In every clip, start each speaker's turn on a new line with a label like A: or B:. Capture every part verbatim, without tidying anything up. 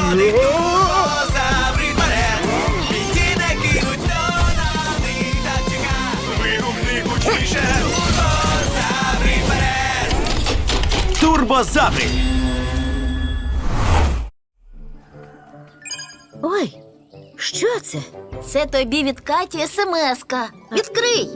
A: ходить турбозаври вперед. Ті не кинуть, хто на них так чека. Вигукни гучніше, турбозаври вперед. Турбозаври.
B: Ой, що це?
C: Це тобі від Каті смс-ка. Відкрий.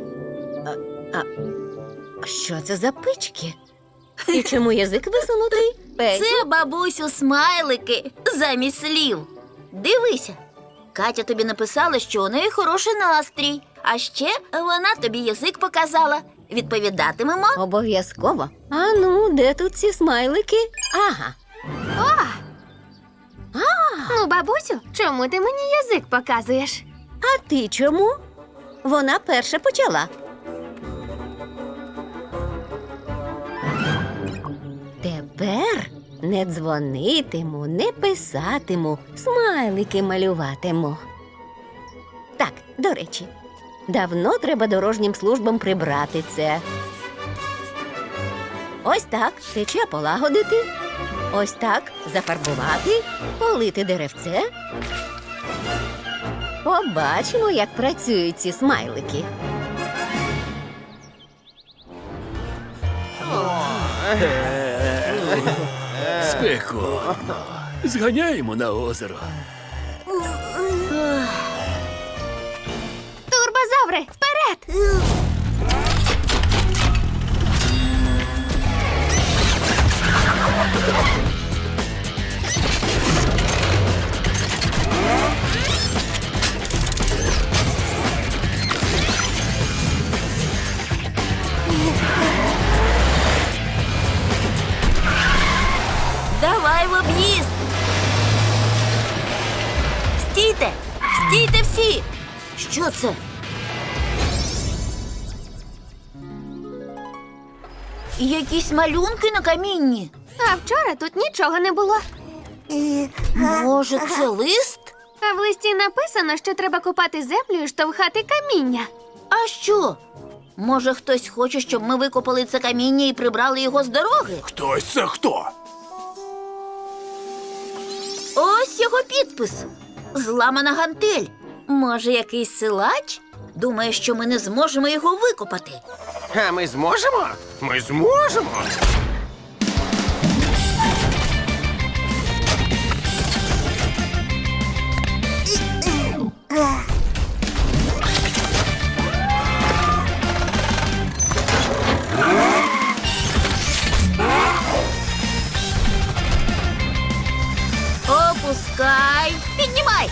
B: Що це за пички? І чому язик висунутий? Петю?
C: Це, бабусю, смайлики замість слів. Дивися. Катя тобі написала, що у неї хороший настрій. А ще вона тобі язик показала. Відповідатимемо.
B: Обов'язково. А ну, де тут ці смайлики? Ага.
D: Ну, бабусю, чому ти мені язик показуєш?
B: А ти чому? Вона перша почала. Тепер не дзвонитиму, не писатиму, смайлики малюватиму. Так, до речі, давно треба дорожнім службам прибрати це. Ось так тече полагодити. Ось так зафарбувати, полити деревце. Побачимо, як працюють ці смайлики.
E: Спекотно. Зганяємо на озеро.
D: Турбозаври, вперед!
C: Давай в об'їзд. Стійте! Стійте всі! Що це? Якісь малюнки на камінні.
D: А вчора тут нічого не було.
C: Може, це лист?
D: А в листі написано, що треба копати землю і штовхати каміння.
C: А що? Може, хтось хоче, щоб ми викопали це каміння і прибрали його з дороги?
E: Хтось це хто?
C: Ось його підпис. Зламана гантель. Може, якийсь силач? Думає, що ми не зможемо його викопати.
A: А ми зможемо? Ми зможемо.
C: Опускай. Піднімай.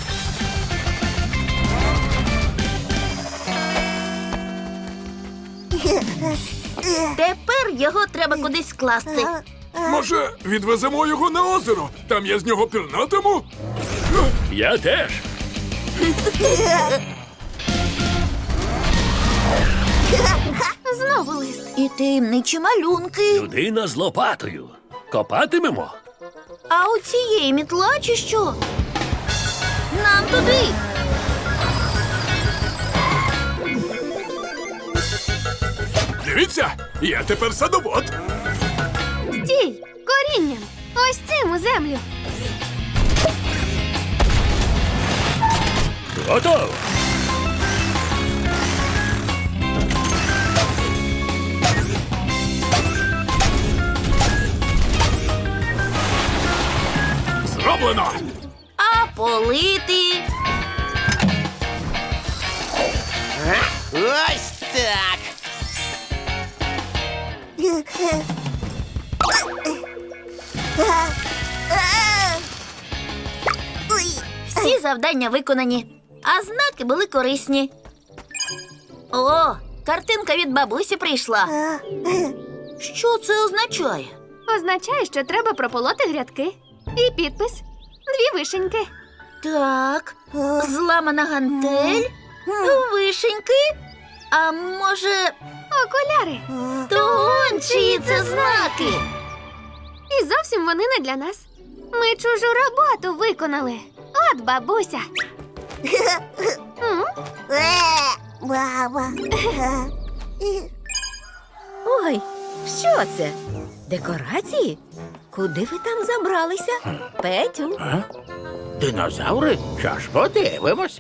C: Тепер його треба кудись скласти.
E: Може, відвеземо його на озеро? Там я з нього пірнатиму? Я теж.
D: Знову лист.
C: І таємничі малюнки.
E: Людина з лопатою. Копатимемо?
C: А у цієї мітла чи що? Нам туди.
E: Дивіться, я тепер садовод.
D: Стій! Корінням! Ось цим у землю!
E: Готово. Зроблено.
C: А полити.
A: Ось так.
C: Всі завдання виконані, а знаки були корисні. О, картинка від бабусі прийшла. Що це означає?
D: Означає, що треба прополоти грядки. І підпис. Дві вишеньки.
C: Так, зламана гантель, вишеньки, а може,
D: Окуляри.
C: то он чиї це знаки?
D: І зовсім вони не для нас. Ми чужу роботу виконали. От бабуся. М?
B: Ой, Що це? Декорації? Куди ви там забралися? Петю?
F: Динозаври? Що ж, подивимося.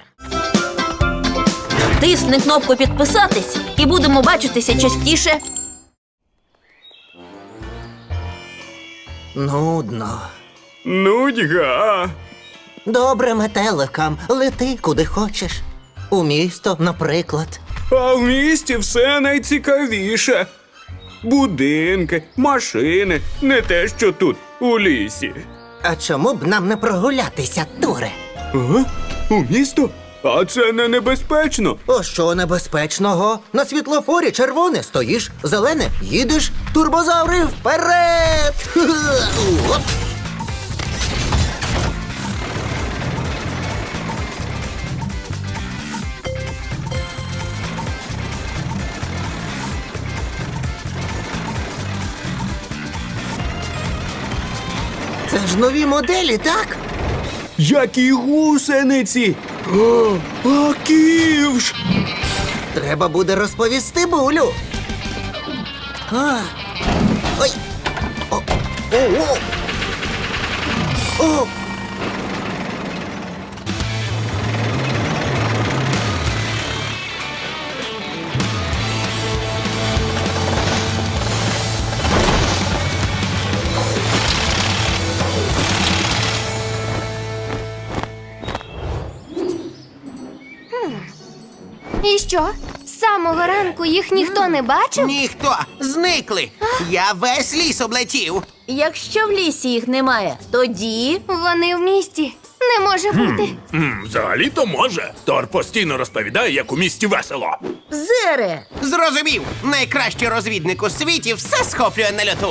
C: Тисни кнопку підписатись і будемо бачитися частіше.
G: Нудно.
E: Нудьга.
G: Добре, метеликам, лети куди хочеш. У місто, наприклад.
E: А в місті все найцікавіше. Будинки, машини, не те, що тут, у лісі.
G: А чому б нам не прогулятися, Туре?
E: Ага? У місто? А це не небезпечно.
G: О, що небезпечного? На світлофорі червоне стоїш, зелене їдеш, турбозаври вперед! Оп. Це ж нові моделі, так?
E: Які гусениці! О, а ківш!
G: Треба буде розповісти Булю. А. Ой. О. О. О. О.
D: І що? З самого ранку їх ніхто не бачив?
A: Ніхто. Зникли. Я весь ліс облетів.
C: Якщо в лісі їх немає, тоді
D: Вони в місті. Не може бути.
F: М, взагалі-то може. Тор постійно розповідає, як у місті весело.
C: Зере.
A: Зрозумів. Найкращий розвідник у світі все схоплює на льоту.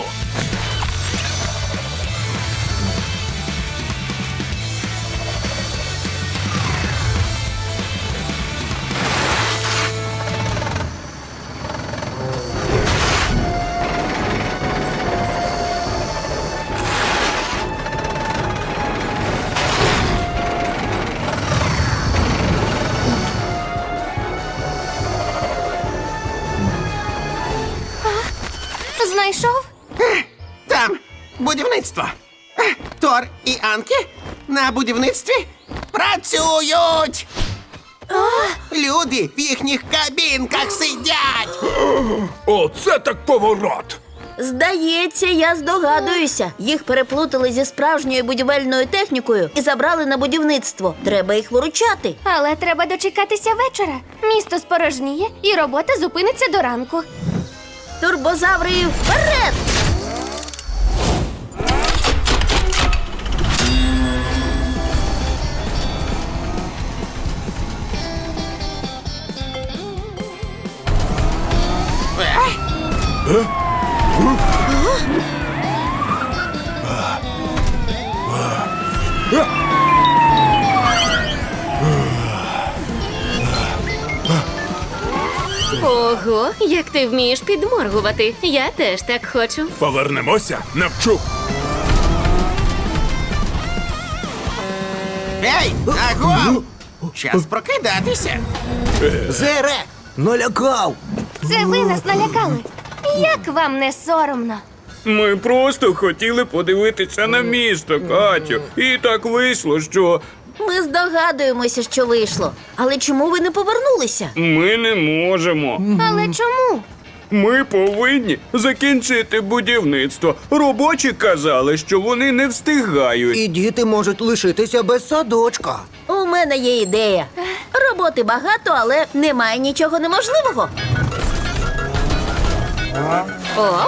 D: Знайшов?
A: Там будівництво. Е, Тор і Анкі на будівництві працюють. Люди в їхніх кабінках сидять.
F: Оце так поворот!
C: Здається, я здогадуюся. Їх переплутали зі справжньою будівельною технікою і забрали на будівництво. Треба їх виручати.
D: Але треба дочекатися вечора. Місто спорожніє і робота зупиниться до ранку.
C: Турбозаври вперед!
H: Ого, як ти вмієш підморгувати. Я теж так хочу.
F: Повернемося, навчу.
A: Ей, аго! Час прокидатися.
G: Зере, налякав.
D: Це ви нас налякали. Як вам не соромно?
E: Ми просто хотіли подивитися на місто, Катю. І так вийшло, що
C: Ми здогадуємося, що вийшло. Але чому ви не повернулися?
E: ми не можемо.
D: Але чому?
E: Ми повинні закінчити будівництво. Робочі казали, що вони не встигають.
G: І діти можуть лишитися без садочка.
C: У мене є ідея. Роботи багато, але немає нічого неможливого.
H: Оп,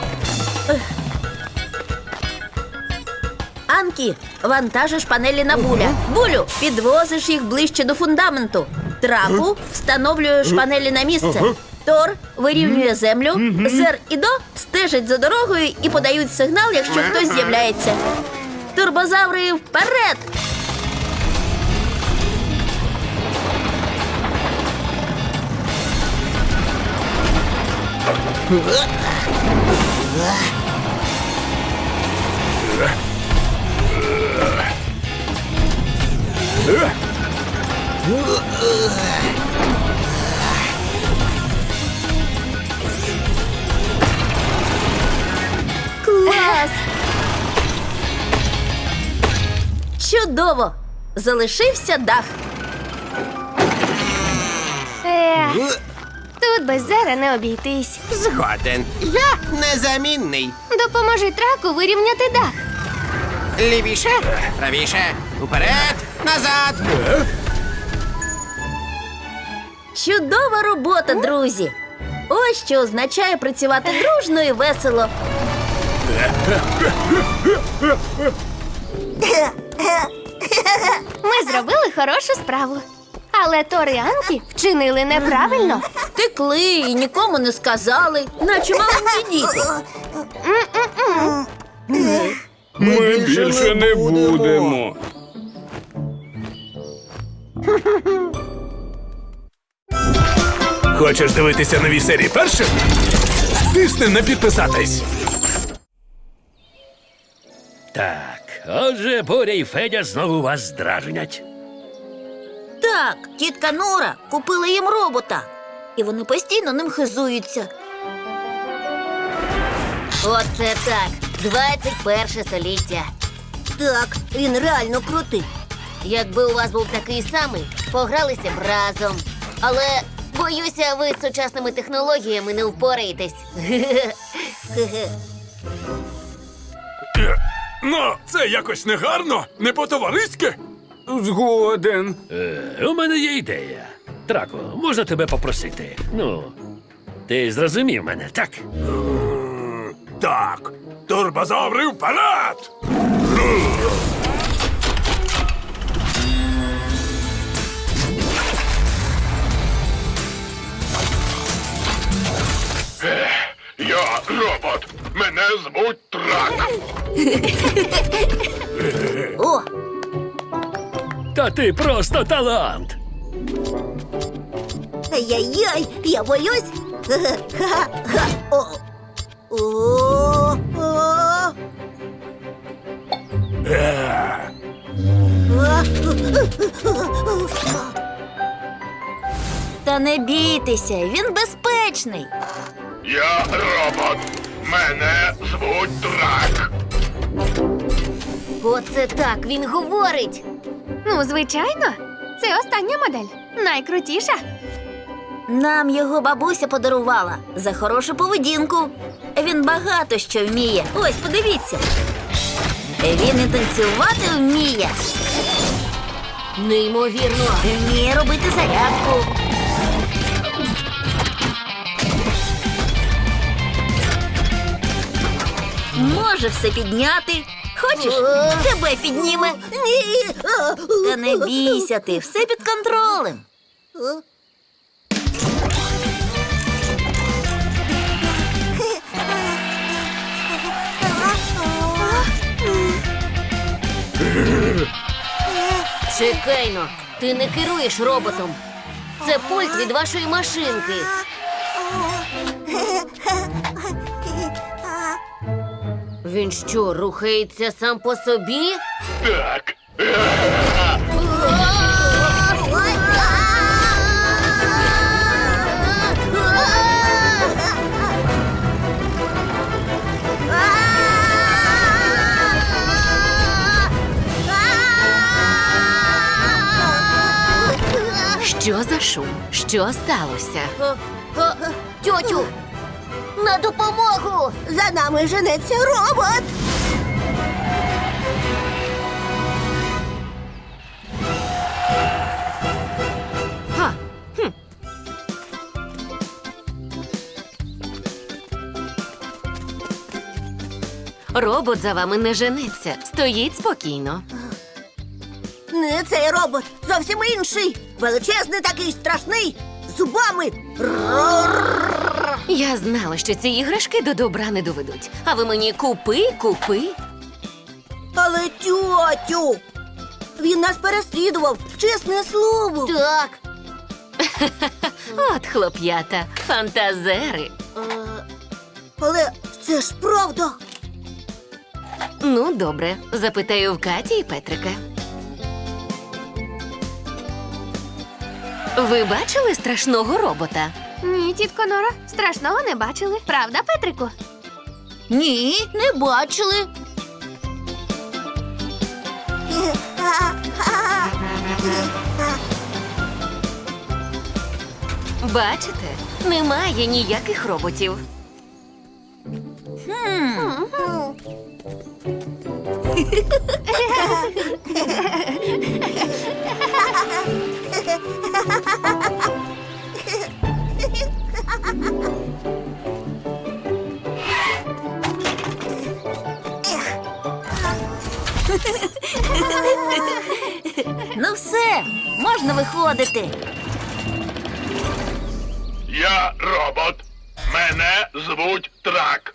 C: Анкі, вантажиш панелі на Буля. Булю, підвозиш їх ближче до фундаменту. Траку, встановлюєш панелі на місце. Тор вирівнює землю. Зер і До стежать за дорогою і подають сигнал, якщо хтось з'являється. Турбозаври вперед! Чудово! Залишився дах.
D: Е, тут без зера не обійтись.
A: Згоден. Я незамінний.
D: Допоможи траку вирівняти дах.
A: Лівіше, правіше, уперед, назад.
C: Чудова робота, друзі! Ось що означає працювати дружно і весело.
D: Ми зробили хорошу справу. Але Тор і Анкі вчинили неправильно.
C: Втекли і нікому не сказали, наче маленькі діти.
E: Ми більше не будемо.
F: Хочеш дивитися нові серії першим? Тисни на підписатись.
I: Так, отже, Боря і Федя знову вас здражнять.
C: Так, тітка Нора купила їм робота. І вони постійно ним хизуються.
B: Оце так. двадцять перше століття. Так, він реально крутий. Якби у вас був такий самий, погралися б разом. Але, боюся, ви з сучасними технологіями не впораєтесь.
F: Ну, це якось негарно, не по-товариськи.
E: Згоден.
I: Е, у мене є ідея. Трако, можна тебе попросити? Ну, ти зрозумів мене, так?
F: Так, турбозаври вперед!
J: Я робот. Мене звуть Трак.
C: О,
I: Та ти просто талант.
B: Ай-яй-яй, я боюсь. Ха-ха-ха. О. О. О.
C: та не бійтеся, він безпечний.
J: Я робот. Мене звуть Трак.
B: Оце так, він говорить.
D: Ну, звичайно, це остання модель. Найкрутіша.
C: Нам його бабуся подарувала за хорошу поведінку. Він багато що вміє. Ось, подивіться. Він і танцювати вміє.
B: Неймовірно.
C: Вміє робити зарядку. Може все підняти. Хочеш, тебе підніме?
B: Ні.
C: Та не бійся ти, все під контролем.
B: Чекайно, ти не керуєш роботом. Це пульт від вашої машинки. Він що, рухається сам по собі?
J: Так.
H: Що за шум? Що сталося?
B: Тьотю, на допомогу! За нами женеться робот!
H: Ха. Хм. Робот за вами не женеться. Стоїть спокійно.
B: Не цей робот, зовсім інший. Величезний такий страшний, з зубами.
H: Я знала, що ці іграшки до добра не доведуть. А ви мені купи, купи.
B: Але тьотю, він нас переслідував, чесне слово. Так.
H: От хлоп'ята, фантазери.
B: Але це ж правда.
H: Ну, добре, запитаю в Каті і Петрика. Ви бачили страшного робота?
D: Ні, тітко Нора, страшного не бачили. Правда, Петрику?
C: Ні, не бачили.
H: Бачите, немає ніяких роботів.
C: Ну все, можна виходити.
J: Я робот. Мене звуть Трак.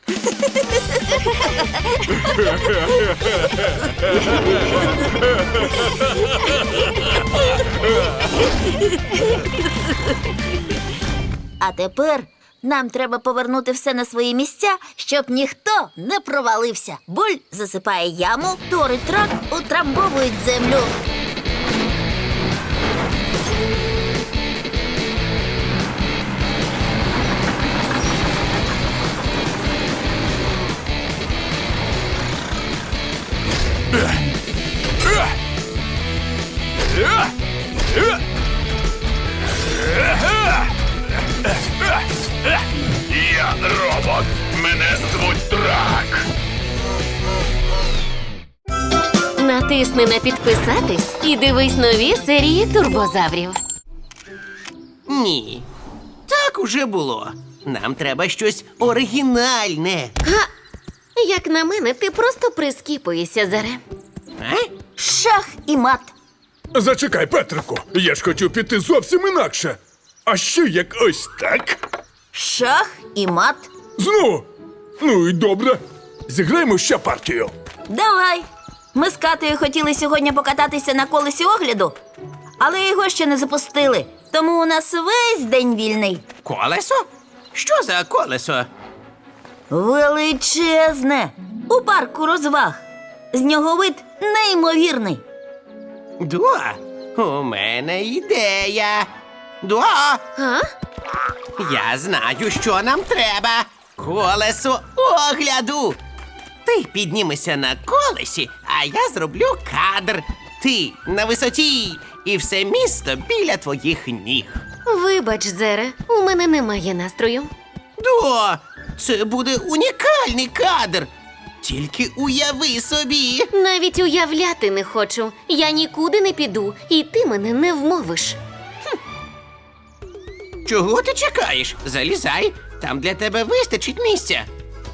C: А тепер нам треба повернути все на свої місця, щоб ніхто не провалився. Буль засипає яму, Тор і Трак утрамбовують землю.
J: Я робот. Мене звуть Трак.
H: Натисни на підписатись і дивись нові серії турбозаврів.
A: Ні. Так уже було. Нам треба щось оригінальне.
H: Як на мене, ти просто прискіпуєшся, Заре.
A: А?
C: Шах і мат.
F: Зачекай, Петрику, я ж хотів піти зовсім інакше. А що як ось так?
C: Шах і мат.
F: Знову? Ну і добре. Зіграємо ще партію.
C: Давай. Ми з Катею хотіли сьогодні покататися на колесі огляду, але його ще не запустили. Тому у нас весь день вільний.
A: Колесо? Що за колесо?
C: Величезне. У парку розваг. З нього вид неймовірний.
A: Дуа, у мене ідея. Дуа,
H: А?
A: я знаю, що нам треба. Колесо огляду. Ти піднімешся на колесі, а я зроблю кадр. Ти на висоті, і все місто біля твоїх ніг.
H: Вибач, Зере, у мене немає настрою.
A: Дуа, це буде унікальний кадр. Тільки уяви собі.
H: Навіть уявляти не хочу. Я нікуди не піду, і ти мене не вмовиш.
A: Чого ти чекаєш? Залізай, там для тебе вистачить місця.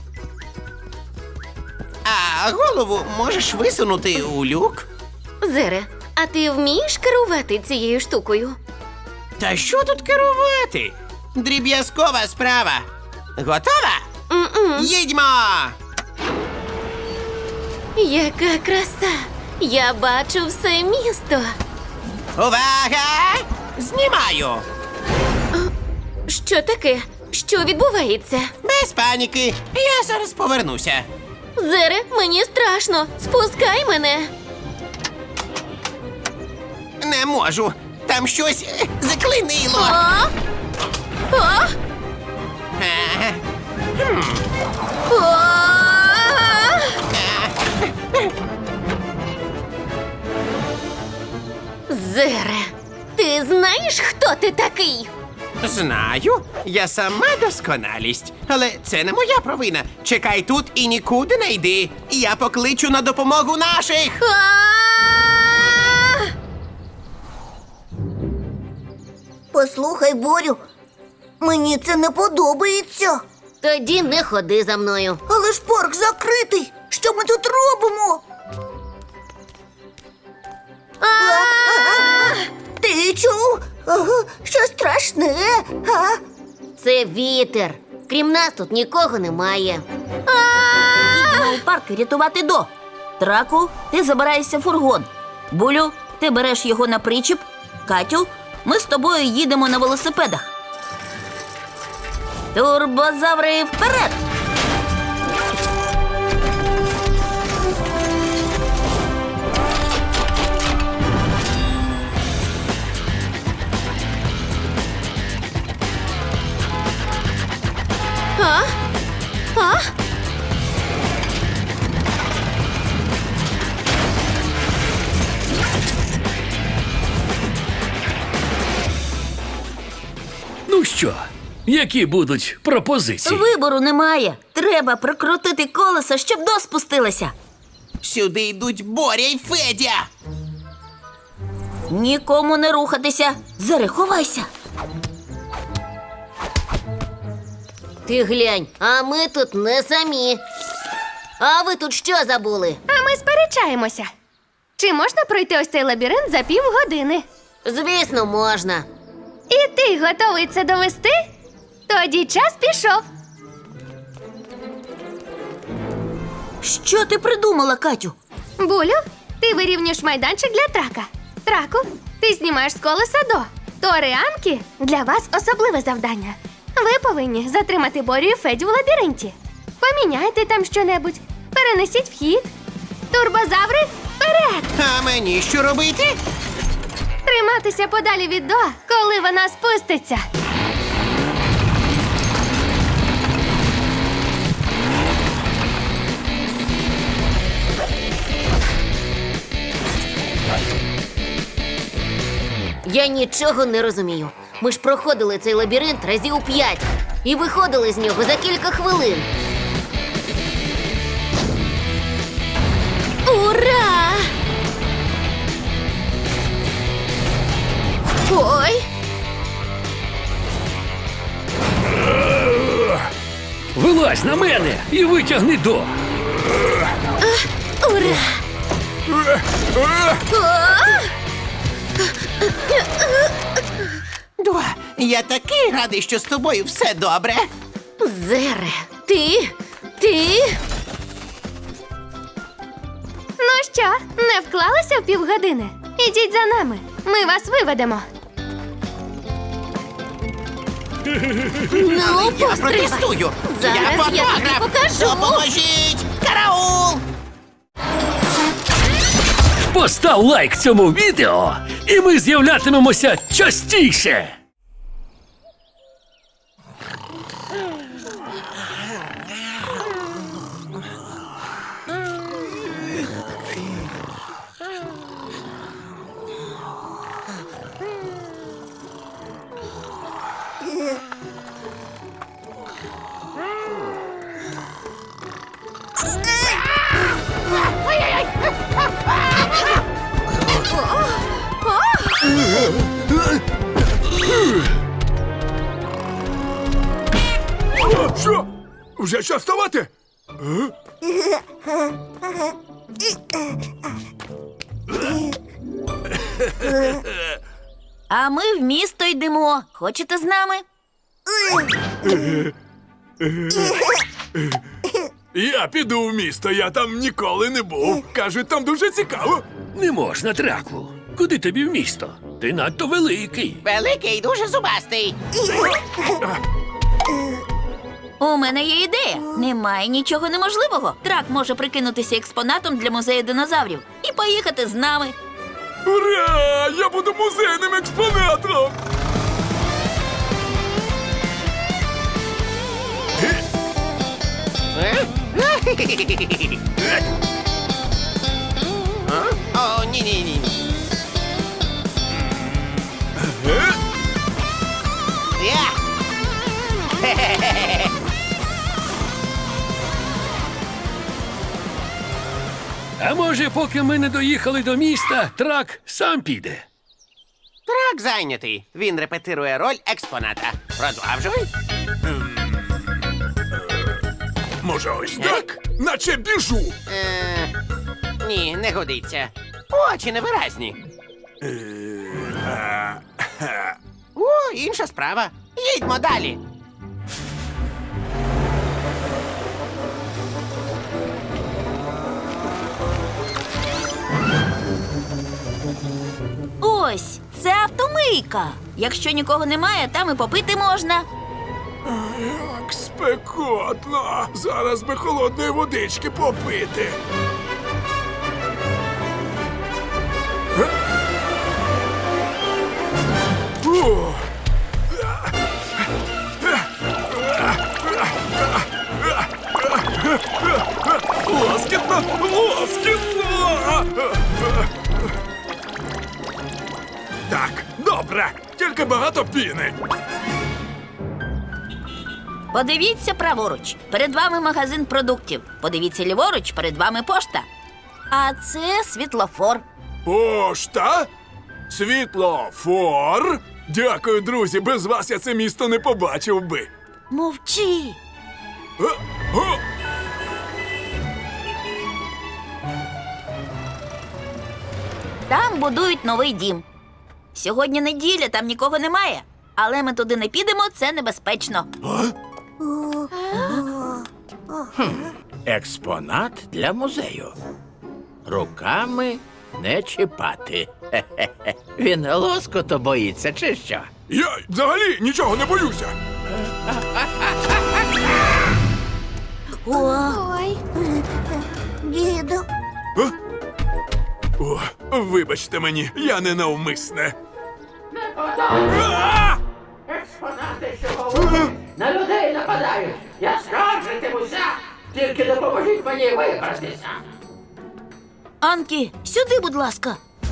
A: А голову можеш висунути у люк.
H: Зере, а ти вмієш керувати цією штукою?
A: Та що тут керувати? Дріб'язкова справа. Готова?
H: М-м.
A: Їдьмо!
H: Яка краса! Я бачу все місто.
A: Увага! Знімаю!
H: Що таке? Що відбувається?
A: Без паніки, я зараз повернуся.
H: Зере, мені страшно. Спускай мене.
A: Не можу. Там щось е, заклинило.
H: А? А?
A: Е,
H: А? Зере, ти знаєш, хто ти такий?
A: Знаю, я сама досконалість. Але це не моя провина. Чекай тут і нікуди не йди. Я покличу на допомогу наших.
H: А?
B: Послухай, Борю, мені це не подобається.
C: Тоді не ходи за мною.
B: Але ж парк закритий. Що ми тут робимо? А-а-а! Ти чув? Ага, що страшне? А?
C: Це вітер. Крім нас тут нікого немає. Їдемо у парк рятувати До. Траку, ти забираєшся в фургон. Булю, ти береш його на причіп. Катю, ми з тобою їдемо на велосипедах. Турбозаври вперед!
H: А? А?
I: що? Які будуть пропозиції?
C: Вибору немає. Треба прокрутити колесо, щоб до спустилося.
A: Сюди йдуть Боря й Федя.
C: Нікому не рухатися. Зари, ховайся.
B: Ти глянь, а ми тут не самі. А ви тут що забули?
D: А ми сперечаємося. Чи можна пройти ось цей лабіринт за півгодини?
B: Звісно, можна.
D: І ти готовий це довести? Тоді час пішов.
C: Що ти придумала, Катю?
D: Булю, ти вирівнюєш майданчик для трака. Траку, ти знімаєш з колеса до. Тори Анкі, для вас особливе завдання. Ви повинні затримати Борю і Федю в лабіринті. Поміняйте там щонебудь, перенесіть вхід. Турбозаври, вперед!
A: А мені що робити?
D: Триматися подалі від До, коли вона спуститься.
B: Я нічого не розумію. Ми ж проходили цей лабіринт разів п'ять і виходили з нього за кілька хвилин.
C: Ура! Ой!
I: Вилазь на мене і витягни до.
C: Ура!
A: До, я такий радий, що з тобою все добре.
C: Зере, ти? Ти?
D: Ну що, не вклалися в півгодини? Ідіть за нами, ми вас виведемо.
C: Ну,
A: Я
C: постривай.
A: протестую.
C: Зараз
A: я
C: я тобі
A: фотограф.
C: покажу.
A: Допоможіть! Караул!
I: Постав лайк цьому відео, і ми з'являтимемося частіше.
F: Що? Вже час вставати?
C: А ми в місто йдемо. Хочете з нами?
F: Я піду в місто, я там ніколи не був. Кажуть, там дуже цікаво.
I: Не можна, Драку. Куди тобі в місто? Ти надто великий.
A: Великий, дуже зубастий.
C: У мене є ідея. Немає нічого неможливого. Трак може прикинутися експонатом для музею динозаврів і поїхати з нами.
F: Ура! Я буду музейним експонатом!
A: О, ні-ні-ні. Я!
I: А може, поки ми не доїхали до міста, трак сам піде.
A: Трак зайнятий. Він репетирує роль експоната. Продовжуй.
F: Може, ось так? Наче біжу.
A: Е, ні, не годиться. Очі невиразні. О, інша справа. Їдьмо далі.
C: Ось, це автомийка. Якщо нікого немає, там і попити можна.
F: Як спекотно. Зараз би холодної водички попити. О! Лоскітно! Лоскітно! Так, добре. Тільки багато піни.
C: Подивіться праворуч. Перед вами магазин продуктів. Подивіться ліворуч, перед вами пошта. А це світлофор.
F: Пошта? Світлофор? Дякую, друзі, без вас я це місто не побачив би.
C: Мовчи.
F: Е, о!
C: Там будують новий дім. Сьогодні неділя, там нікого немає. Але ми туди не підемо, це небезпечно.
K: Експонат для музею. Руками не чіпати. Хе-хе-хе. Він лоскоту боїться, чи що?
F: Я взагалі нічого не боюся.
D: Ой.
B: Діду.
F: Е? О, вибачте мені, я не навмисне. А!
K: Експонати, що говорять, на людей нападають. Я скаржитимуся. Тільки допоможіть мені вибратися.
C: Анкі, сюди, будь ласка.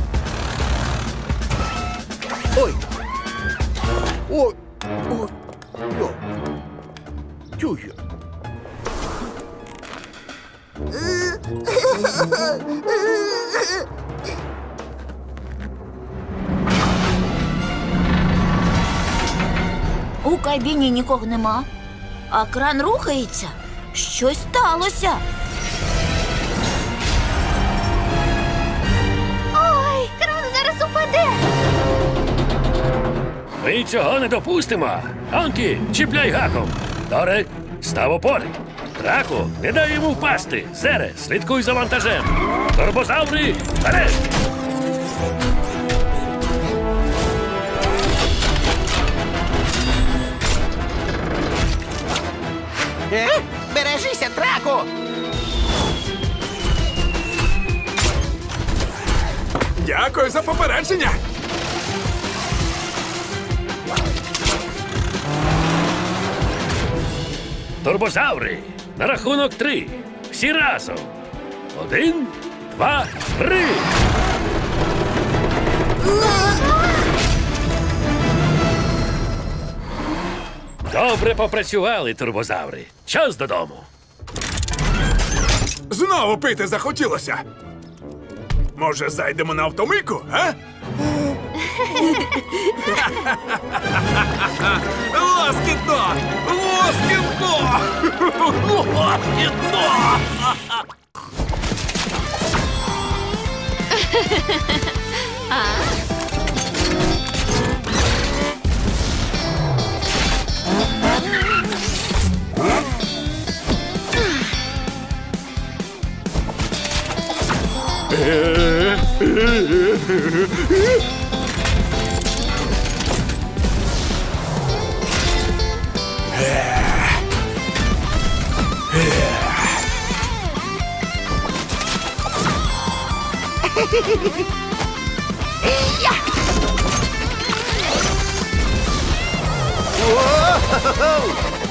G: Ой. Ой. Ой. Йо. Тюхю.
C: У кабіні нікого нема. А кран рухається. Щось сталося.
D: Ой, кран зараз упаде.
I: Ми цього не допустимо. Анкі, чіпляй гаком. Торе, став опори. Драку, не дай йому впасти. Зере, слідкуй за вантажем. Турбозаври, вперед!
A: Е? Бережися, траку!
F: Дякую за попередження.
I: Турбозаври, на рахунок три. Всі разом. Один, два, три. Добре попрацювали, турбозаври. Час додому.
F: Знову пити захотілося. Може, зайдемо на автомийку, а? Лоскітно! Лоскітно! Лоскітно!
G: О-хо-хо!